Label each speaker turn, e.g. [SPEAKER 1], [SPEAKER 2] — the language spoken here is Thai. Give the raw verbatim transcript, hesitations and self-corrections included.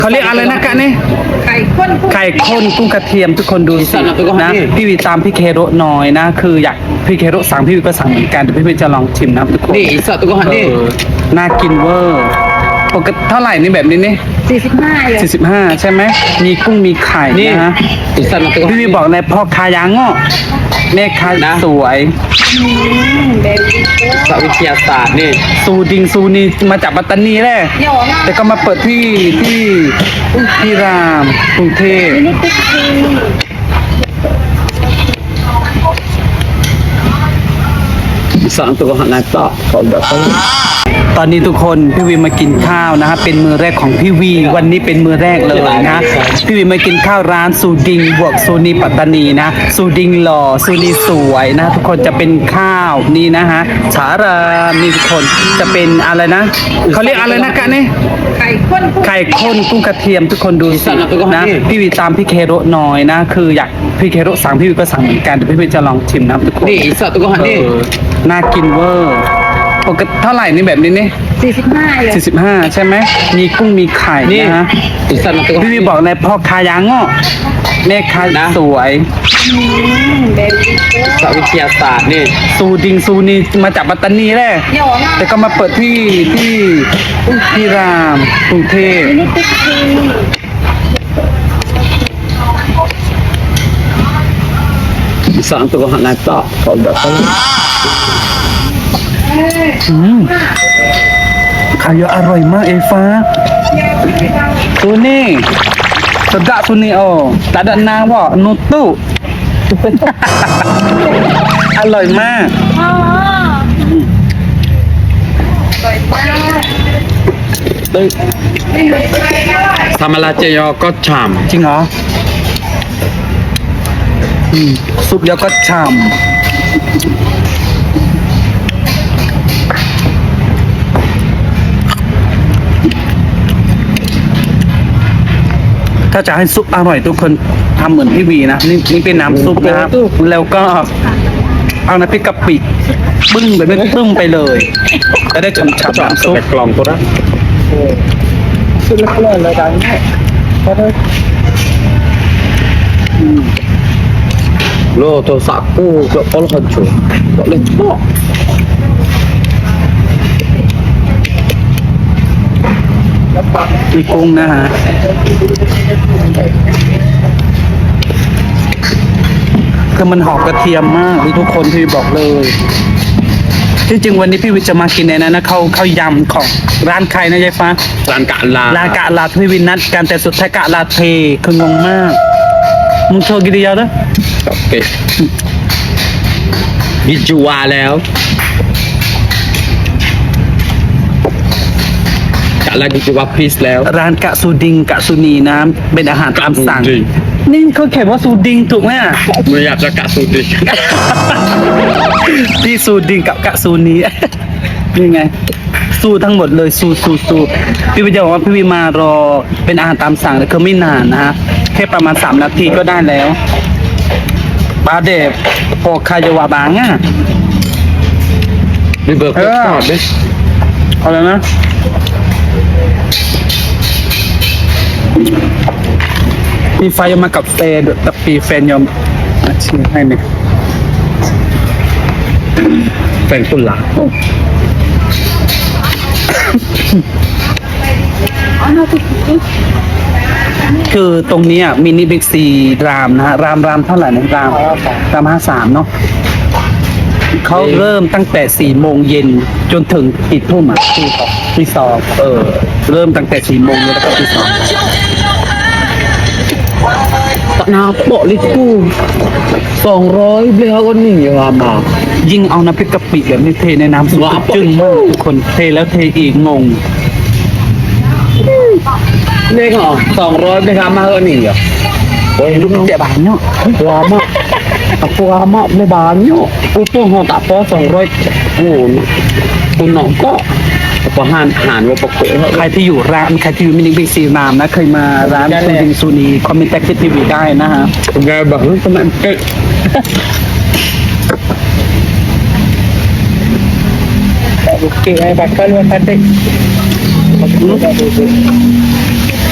[SPEAKER 1] เขาเรียกอะไรนะกะเนี่ยไข่ข้นไข่ข้นกุ้งกระเทียมทุกคนดูสินะพี่วีตามพี่เคโรหน่อยนะคืออยากพี่เคโรสั่งพี่วีก็สั่งเหมือนกันแต่พี่วีจะลองชิมนะทุกคนนี่สัตว์ตัวหันนี่น่ากินเวอร์ปกติเท่าไหร่นี่แบบนี้นี่สี่สิบห้าเลยสี่สิบห้าใช่ไหมมีกุ้งมีไข่นะฮะพี่วีบอกในพ่อคายางอ่ะแม่ค้าสวยสวิทยาศาสตร์นี่ซูดิงซูนีมาจากปัตตานีแหละแต่ก็มาเปิดที่ที่ที่รามกรุงเทพสามตัวหันหน้าต่อตอนนี้ทุกคนพี่วีมากินข้าวนะครับเป็นมือแรกของพี่วีวันนี้เป็นมือแรกเลยนะพี่วีมากินข้าวร้านซูดิงบวกซูนีปัตตานีนะซูดิงหล่อซูนีสวยนะทุกคนจะเป็นข้าวนี่นะฮะฉารามีทุกคนจะเป็นอะไรนะเขาเรียกอะไรนะกะเนี่ยไข่ข้นไข่ข้นกุ้งกระเทียมทุกคนดูสินะพี่วีตามพี่เคโรหน่อยนะคืออยากพี่เคโรสั่งพี่วีก็สั่งเหมือนกันแต่พี่วีจะลองชิมนะทุกคนนี่สัตว์ตัวหันนี่น่ากินเวอร์ปกติเท่าไหร่นี่แบบนี้นี่สี่สิบห้าเลยสี่สิบห้าใช่ไหมมีกุ้งมีไข่นะฮะพี่วีบอกในพ่อคายางอ่ะแม่ค้าสวยสวิทยาศาสตร์นี่ซูดิงซูนีมาจากปัตตานีแหละแต่ก็มาเปิดที่ที่ที่รามกรุงเทพสามตัวหันหน้าต่อเขาแบบอืมขายอร่อยมากเอฟ้าตัวนี้สดะตัวนี้โอ้ตาดันนางว่านุตุอร่อยมากอร่อยมากทำอะไรเจยอก็ฉ่ำจริงเหรอซุปยอก็ฉ่ำถ้าจะให้ซุปอร่อยทุกคนทำเหมือนพี่วีนะนี่นี่เป็นน้ำซุปนะครับแล้วก็เอาน้ำพริกกะปิบึ้งไปไม่ตึ้มไปเลยจะได้ฉ่ำๆน้ำซุปกล่องตัวนั้นซุปเล็กๆเลยกันเนี่ยพอได้โลตัวสักกูก็พอละจุก็เลยบอกมีกุ้งนะฮะคือมันหอมกระเทียมมากทุกคนพี่บอกเลยที่จริงวันนี้พี่วิทย์จะมากินในนั้นนะเขาเขายำของร้านใครนะยายฟ้าร้านกะลาร้านกะลาพี่วินนัดกันแต่สุดท้ายกะลาเทคืองงมากมึงโชว์กี่เดียวนะโอเคยิจูวาแล้วกะลากิจูวาพีซแล้วร้านกะซูดิงกะซูนีน้ำเป็นอาหารตามสั่งนี่เขาเขียนว่าซูดิงถูกไหมอ่ะไม่อยากจะกะซูดิงพี่ซูดิงกับกะซูนีนี่ไงซูทั้งหมดเลยซูซูซูพี่วิจะบอกว่าพี่วิมารอเป็นอาหารตามสั่งแต่คือไม่นานนะฮะแค่ประมาณสามนาทีก็ได้แล้วบาเดบพอคายาวาบางอ่ะรีเบิร์กก็ชอบดิอะไรนะมีไฟมากับแฟนแต่ปีแฟนยอมชิมให้เนี่ยแฟนคุณหลักคือตรงนี้มินิบิ๊กซีรามนะฮะรามรามเท่าไหร่นะรามรามห้าสามเนาะเขาเริ่มตั้งแต่สี่โมงเย็นจนถึงกี่ทุ่มอ่ะที่สองเออเริ่มตั้งแต่สี่โมงเย็นแล้วก็ที่สองตะนาโปะลิกูสองร้อยเบลก็หนึ่งอย่างมายิ่งเอาน้ำพริกกะปิแบบนี้เทในน้ำซุปจึ้งมากทุกคนเทแล้วเทอีกงงนี่เหรอสองร้อยเบลมาก็หนึ่งอย่างโอ้ยลูกเจ็บบานเนาะลามะตัวลามะไม่บานเนาะอุปโภคตับปอสองร้อยโอ้คุณน้องก็พอหานหานว่าปกติใครที่อยู่ร้านใครที่อยู่มินิบิ๊กซีรามนะเคยมาร้านซูดิงซูนีคอมเมนต์แท็กซี่ทีวีได้นะฮะไงบอกว่าประมาณเกิดโอเคไอ้บัตรก็เลื่อนพัดได้